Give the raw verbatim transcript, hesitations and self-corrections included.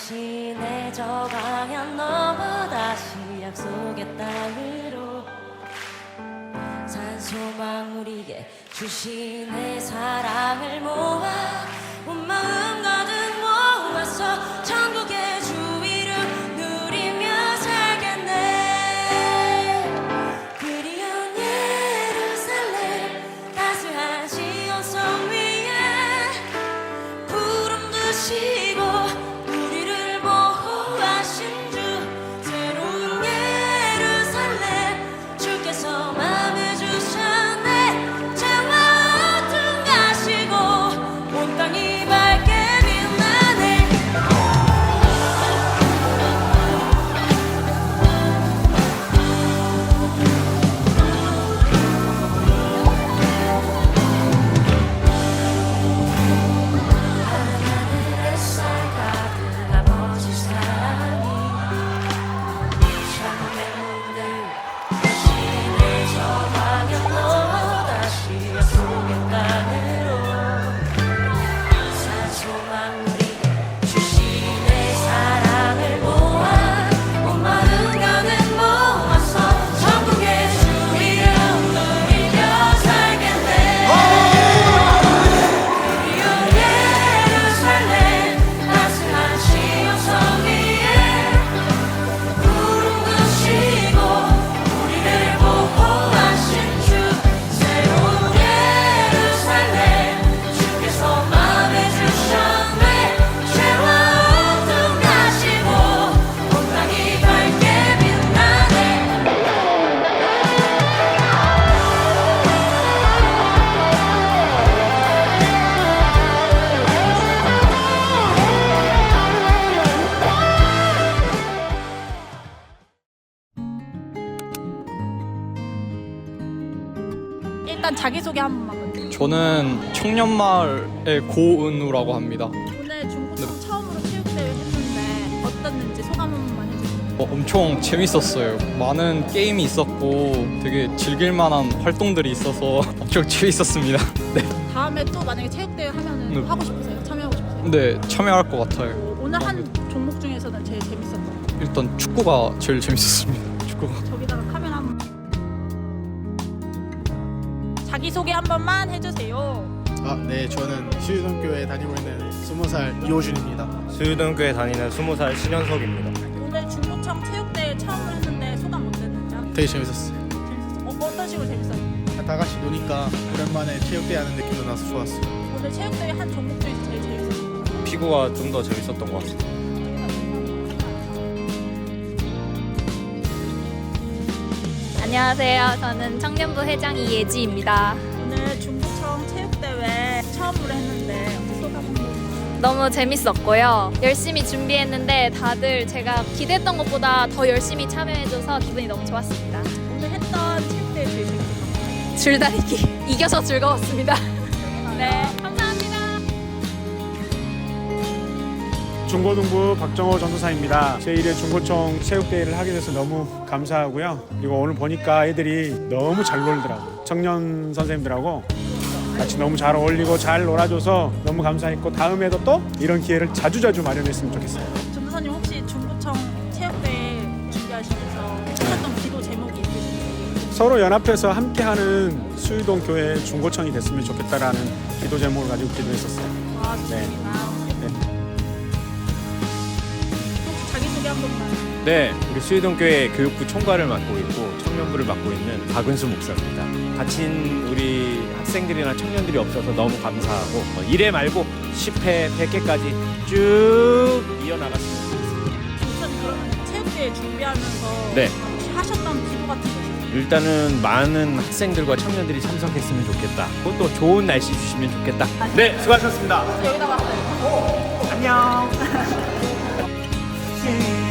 대신에 저 방향 넘어 다시 약속의 땅으로 산소망 우리에게 주신 내 사랑을 모아 온 마음 가득 모아서 천국의 주 이름 누리며 살겠네. 그리운 예루살렘 따스한 시온성 위에 구름 드시고 우리를 보호하신 주 새로운 예루살렘 주께서 맘에 주셨네. 죄와 어둠 가시고 온 땅이 밝게 빛나네. 하늘 햇살 가득 아버지 사랑이 창문의 문을 대신에 저 방향 넘어 다시 약속의 땅으로 산소망 우리에게 주신 내 사랑을 모아 온 마음 가득 모아서 천국의 주 이름 누리며 살겠네. 그리운 예루살렘 따스한 시온성 위에 구름 드시고 우리를 보호하신 주 새로운 예루살렘 주께서 맘에 주셨네. 죄와 어둠 가시고 온 땅이 밝게 빛나네. 일단 자기소개 한 번만 먼저. 저는 청년마을의 고은우라고 합니다. 오늘 중고청 처음으로 체육대회 했는데 어땠는지 소감 한 번만 해주세요. 어, 엄청 재밌었어요. 많은 게임이 있었고 되게 즐길 만한 활동들이 있어서 엄청 재밌었습니다. 네. 다음에 또 만약에 체육대회 하면은 네. 하고 싶으세요? 참여하고 싶으세요? 네, 참여할 것 같아요. 오늘 한 종목 중에서는 제일 재밌었던 거. 일단 축구가 제일 재밌었습니다. 축구가. 저기다가 카메라 한 번. 자기소개 한 번만 해주세요. 아, 네, 저는 수유동교에 다니고 있는 스무 살 이호준입니다. 수유등교에 다니는 스무 살 신현석입니다. 오늘 중고청 체육대회 처음으로 했는데 소감 어땠는지? 되게 재밌었어요. 재밌었어요? 어, 어떤 식으로 재밌었어요? 다 같이 노니까 오랜만에 체육대회 하는 느낌도 나서 좋았어요. 오늘 체육대회 한 종목 중에서 제일 재밌었어요. 피구가 좀 더 재밌었던 것 같습니다. 안녕하세요. 저는 청년부 회장 이예지입니다. 오늘 중고청 체육대회 처음으로 했는데 소감 한 번. 너무 재밌었고요. 열심히 준비했는데 다들 제가 기대했던 것보다 더 열심히 참여해줘서 기분이 너무 좋았습니다. 오늘 했던 체육대회 제일 재밌었던 거. 줄다리기 이겨서 즐거웠습니다. 네, 감사합니다. 중고등부 박정호 전도사입니다. 제일 회 중고청 체육대회를 하게 돼서 너무 감사하고요. 그리고 오늘 보니까 애들이 너무 잘 놀더라고요. 청년 선생님들하고 같이 너무 잘 어울리고 잘 놀아줘서 너무 감사했고 다음에도 또 이런 기회를 자주자주 마련했으면 좋겠어요. 전도사님 혹시 중고청 체육대회 준비하시면서 하셨던 기도 제목이 있으신가요? 서로 연합해서 함께하는 수유동 교회 중고청이 됐으면 좋겠다라는 기도 제목을 가지고 기도했었어요. 아, 좋습니다. 혹시 자기소개 한 번만. 네, 우리 수유등교회 교육부 총괄을 맡고 있고 청년부를 맡고 있는 박은수 목사입니다. 다친 우리 학생들이나 청년들이 없어서 너무 감사하고 어, 일 회 말고 십 회, 백 회까지 쭉 이어나갔으면 좋겠습니다. 전도사님 그러면 체육대회 준비하면서 네. 혹시 하셨던 기도 같은 거 있으세요? 일단은 많은 학생들과 청년들이 참석했으면 좋겠다. 그리고 또 좋은 날씨 주시면 좋겠다. 네, 수고하셨습니다. 여기다 봤어요. 안녕. 네.